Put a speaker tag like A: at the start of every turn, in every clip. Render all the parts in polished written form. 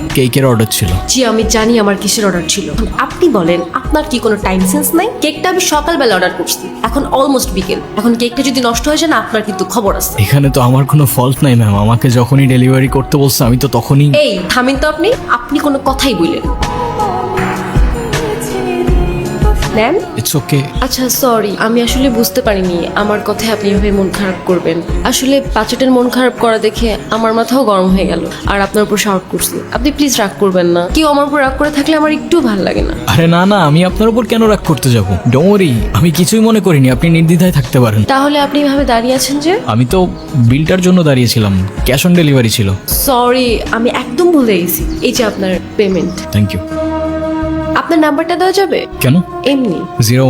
A: কেকের অর্ডার ছিল।
B: জি আমি জানি আমার কিসের অর্ডার ছিল। আপনি বলেন আপনার কি কোনো টাইম সেন্স নাই? কেকটা আমি সকালবেলা অর্ডার করছি, এখন অলমোস্ট বিকেল। এখন কেকটা যদি নষ্ট হয়ে যায় না, আপনার কিন্তু খবর আছে।
A: এখানে তো আমার কোনো ফল্ট নাই ম্যাম, আমাকে যখনই ডেলিভারি করতে বলছে আমি তো তখনই।
B: এই থামেন তো, আপনি কোনো কথাই বললেন ম্যাম।
A: It's okay.
B: আচ্ছা সরি, আমি আসলে বুঝতে পারিনি আমার কথায় আপনি এভাবে মন খারাপ করবেন। আসলে বাচ্চাটার মন খারাপ করা দেখে আমার মাথাও গরম হয়ে গেল, আর আপনার উপর শাউট করছি। আপনি প্লিজ রাগ করবেন না। কেউ আমার উপর রাগ করে থাকলে আমার একটু ভালো লাগে না।
A: আরে না না, আমি আপনার উপর কেন রাগ করতে যাবো? ডোন্ট ওয়ারি, আমি কিছুই মনে করিনি, আপনি নির্দ্বিধায় থাকতে পারেন।
B: তাহলে আপনি এভাবে দাঁড়িয়ে আছেন যে?
A: আমি তো বিলটার জন্য দাঁড়িয়েছিলাম, ক্যাশ অন ডেলিভারি ছিল।
B: সরি, আমি একদম ভুলে গেছি। এই যে আপনার পেমেন্ট।
A: Thank you.
B: আপনার নাম্বারটা দেওয়া যাবে?
A: কেন?
B: এমনি।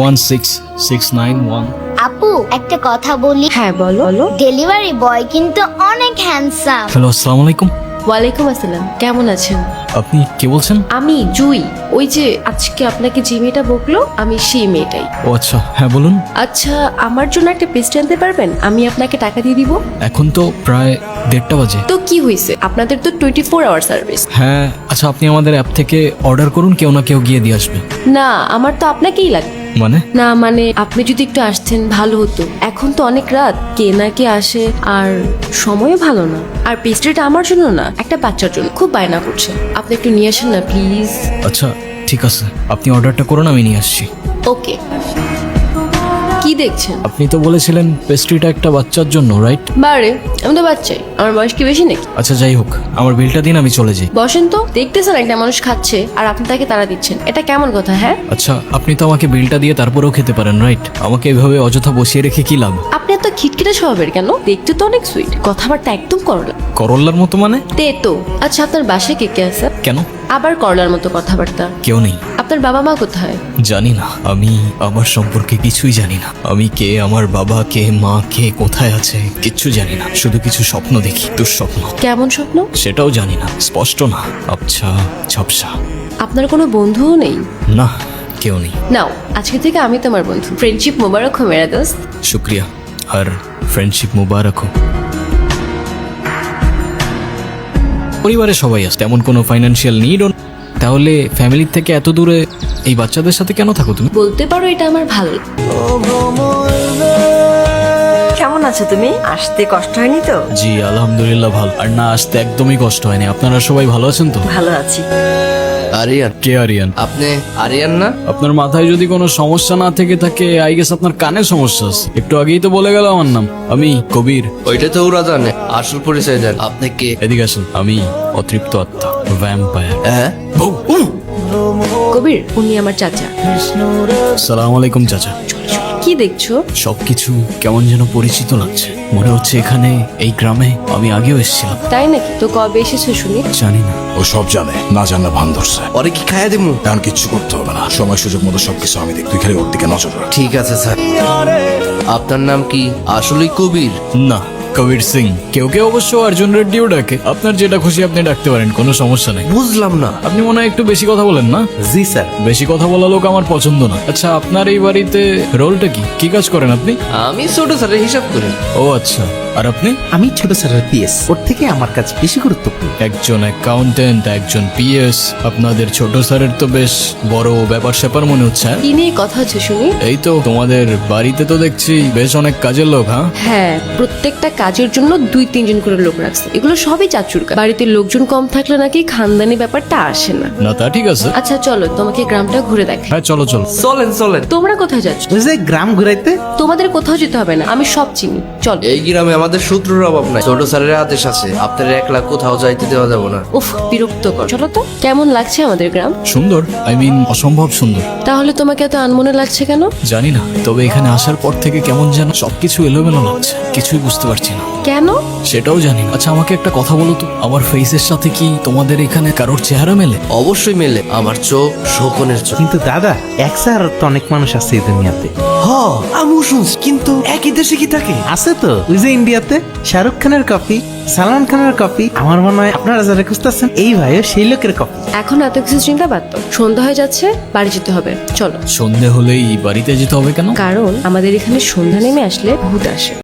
A: 01669
C: আপু একটা কথা বলি।
B: হ্যাঁ বলো বলো।
C: ডেলিভারি বয় কিন্তু অনেক হ্যান্ডসাম।
A: হ্যালো, আসসালামু আলাইকুম।
B: ওয়ালাইকুম আসসালাম, কেমন আছেন?
A: আপনি কে বলছেন?
B: আমি জুই, ওই যে আজকে আপনাকে যে মেয়েটা বকলো আমি সেই মেয়েটাই।
A: ও আচ্ছা, হ্যাঁ বলুন।
B: আচ্ছা আমার জন্য একটা পেস্ট্রি আনতে পারবেন? আমি আপনাকে টাকা দিয়ে দিব।
A: এখন তো প্রায় 1:30 বাজে।
B: তো কি হয়েছে, আপনাদের তো 24 আওয়ার সার্ভিস।
A: হ্যাঁ আচ্ছা, আপনি আমাদের অ্যাপ থেকে অর্ডার করুন, কেউ না কেউ গিয়ে দিয়ে আসবে।
B: না আমার তো আপনাকেই লাগবে।
A: মানে?
B: না মানে আপনি যদি একটু আসতেন ভালো হতো। এখন তো অনেক রাত, কে না কে আসে, আর সময়ও ভালো না। আর পেস্ট্রিটা আমার জন্য না, একটা বাচ্চার জন্য, খুব বায়না করছে। আপনি একটু নিয়ে আসেন না প্লিজ।
A: আচ্ছা ঠিক আছে, আপনি অর্ডারটা করুন, আমি নিয়ে আসছি।
B: ওকে। কি দেখছেন?
A: আপনি তো বলেছিলেন পেস্ট্রিটা একটা বাচ্চার জন্য, রাইট?
B: বারে, আমি তো বাচ্চাই, আমার বয়স কি বেশি নাকি?
A: আচ্ছা যাই হোক, আমার বিলটা দিন, আমি চলে যাই।
B: বসেন তো, দেখতেছেন একটা মানুষ খাচ্ছে আর আপনি তাকে তাড়া দিচ্ছেন, এটা কেমন কথা? হ্যাঁ
A: আচ্ছা আপনি তো আমাকে বিলটা দিয়ে তারপরেও খেতে পারেন, রাইট? আমাকে এভাবে অযথা বসিয়ে রেখে কি লাভ?
B: আপনি এত খিটখিটে স্বভাবের কেন? দেখতে তো অনেক সুইট, কথাবার্তা একদম করলা।
A: করল্লার মতো মানে?
B: তো আচ্ছা আপনার বাসায় কে কে আছে?
A: কেন?
B: আবার করলার মতো কথাবার্তা।
A: কেউ নেই।
B: আপনার বাবা মা কোথায়?
A: জানি না, আমি আমার সম্পর্কে কিছুই জানি না। আমি কে, আমার বাবা কে, মা কে, কোথায় আছে, কিচ্ছু জানি না। শুধু কিছু স্বপ্ন দেখি, দুঃস্বপ্ন।
B: কেমন স্বপ্ন?
A: সেটাও জানি না, স্পষ্ট না, আবছা ঝাপসা।
B: আপনার কোনো বন্ধুও নেই?
A: না, কেউ নেই।
B: নাও আজকে থেকে আমি তোমার বন্ধু। ফ্রেন্ডশিপ মোবারক হো মেরা দোস্ত।
A: শুক্রিয়া, আর ফ্রেন্ডশিপ মুবারক হোক। পরিবারে সবাই আছে, তেমন কোনো ফাইন্যান্সিয়াল নিড। তাহলে ফ্যামিলির থেকে এত দূরে এই বাচ্চাদের সাথে কেন থাকো তুমি?
B: বলতে পারো এটা আমার ভালো।
D: কেমন আছো তুমি? আসতে কষ্ট হয়নি তো?
A: জি আলহামদুলিল্লাহ ভালো। আর না, আসতে একদমই কষ্ট হয়নি। আপনারা সবাই ভালো আছেন তো?
D: ভালো আছি।
E: আরিয়ান,
A: কে আরিয়ান?
E: আপনি আরিয়ান না?
A: আপনার মাথায় যদি কোনো সমস্যা না থেকে থাকে, আই গেস আপনার কানে সমস্যা আছে। একটু আগেই তো বলে গেল আমার নাম, আমি কবির।
E: ওইটা তো ওরা জানে, আসল পরিচয় দেন। আপনি কে?
A: এদিকে আসেন, আমি অতৃপ্ত আত্মা, ভ্যাম্পায়ার।
E: হ্যাঁ,
B: কবির, উনি আমার চাচা।
A: সালাম আলাইকুম চাচা।
B: কি দেখছো?
A: সবকিছু কেমন যেন পরিচিত লাগছে, মনে হচ্ছে এখানে এই গ্রামে আমি আগেও এসেছিলাম।
B: তাই নাকি? তো কবে এসেছো শুনি?
A: জানি না।
F: ও সব জানে, না জানলে ভান ধরছে।
E: ওরে কি খাইয়া দিমু?
F: এখন কিচ্ছু করতে হবে না, সময় সুযোগ মতো সবকিছু আমি দেখ, তুই খালি ওর দিকে নজর রাখ।
E: ঠিক আছে স্যার। আপনার নাম কি? আসলেই কবির?
A: না, কবির সিং। কেউ কেউ অবশ্য অর্জুন রেড্ডিও ডাকে। আপনার যেটা খুশি আপনি ডাকতে পারেন, কোনো সমস্যা নেই।
E: বুঝলাম না।
A: আপনি মনে হয় একটু বেশি কথা বলেন না?
E: জি স্যার।
A: বেশি কথা বলা লোক আমার পছন্দ না। আচ্ছা আপনার এই বাড়িতে রোলটা কি? কি কাজ করেন আপনি?
E: আমি ছোট স্যারের হিসাব করি।
A: ও আচ্ছা, আর আপনি?
G: আমি ছোট স্যারের পিএস, ওর থেকে আমার কাছে বেশি গুরুত্বপূর্ণ।
A: একজন অ্যাকাউন্টেন্ট, একজন পিএস। আপনাদের ছোট স্যারের তো বেশ বড় ব্যাপার স্যাপার মনে হচ্ছে। হ্যাঁ?
B: কি নিয়ে কথা হচ্ছে শুনি?
A: এই তো তোমাদের বাড়িতে তো দেখছি বেশ অনেক কাজের লোক। হ্যাঁ
B: হ্যাঁ, প্রত্যেকটা কাজের জন্য 2-3 জন করে লোক রাখছে। এগুলো সবই চাচুর কাজ। বাড়িতে লোকজন কম থাকলে নাকি খানদানি ব্যাপারটা আসে না।
A: না, তা ঠিক আছে।
B: আচ্ছা চলো তোমাকে গ্রামটা ঘুরে দেখাই।
A: হ্যাঁ চলো চলো।
E: চলেন চলেন।
B: তোমরা কোথায় যাচ্ছ?
G: ওই যে গ্রাম ঘুরাইতে।
B: তোমাদের কোথাও যেতে হবে না, আমি সব চিনি। চলো।
E: এই গ্রামে আমাদের শত্রুর অভাব নাই। ছোট স্যারের আদেশ আছে, আপনার একলা কোথাও যাইতে দেওয়া যাবে না।
B: উফ, বিরক্ত কর। চলো তো। কেমন লাগছে আমাদের গ্রাম?
A: সুন্দর, আই মিন অসম্ভব সুন্দর।
B: তাহলে তোমাকে এত আনমনে লাগছে কেন?
A: জানি না, তবে এখানে আসার পর থেকে কেমন যেন সবকিছু এলোমেলো লাগছে, কিছুই বুঝতে পারছি না।
B: কেন?
A: সেটাও জানি না। আচ্ছা আমাকে একটা কথা বলো তো, আমার ফেসের সাথে কি তোমাদের এখানে কারোর চেহারা মেলে?
E: অবশ্যই মেলে। আমার চোখ শোকনের চোখ।
G: কিন্তু দাদা, এক স্যার তো অনেক মানুষ আছে এই দুনিয়াতে।
E: হ, আমিও শুনছি, কিন্তু একই দেশে কি থাকে?
G: আছে তো, ওই যে ইন্ডিয়াতে শাহরুখ খানের কপি, সালমান খানের কপি। আমার মনে হয় আপনারা যারা খুঁজতেছেন এই ভাইও সেই লোকের কপি।
B: এখন এত কিছু চিন্তা বাদ দাও। সন্ধ্যা হয়ে যাচ্ছে, বাড়ি যেতে হবে। চলো।
A: সন্ধে হলেই বাড়িতে যেতে হবে কেন?
B: কারণ আমাদের এখানে সন্ধ্যা নেমে আসলে ভূত আসে।